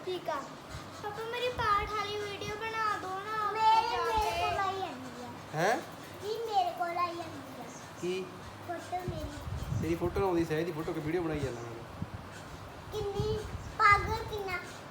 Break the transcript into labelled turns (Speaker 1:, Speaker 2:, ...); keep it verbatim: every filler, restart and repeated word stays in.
Speaker 1: ठीक है पापा मेरी पाठ वाली वीडियो बना दो ना
Speaker 2: मेरे मेरे को लाई आंदी है
Speaker 3: हैं
Speaker 2: जी मेरे को लाई आंदी है
Speaker 3: की
Speaker 2: फोटो मेरी
Speaker 3: तेरी फोटो आउंदी सही दी फोटो के वीडियो बनाई जाना मैं
Speaker 2: किन्नी पागल किन्ना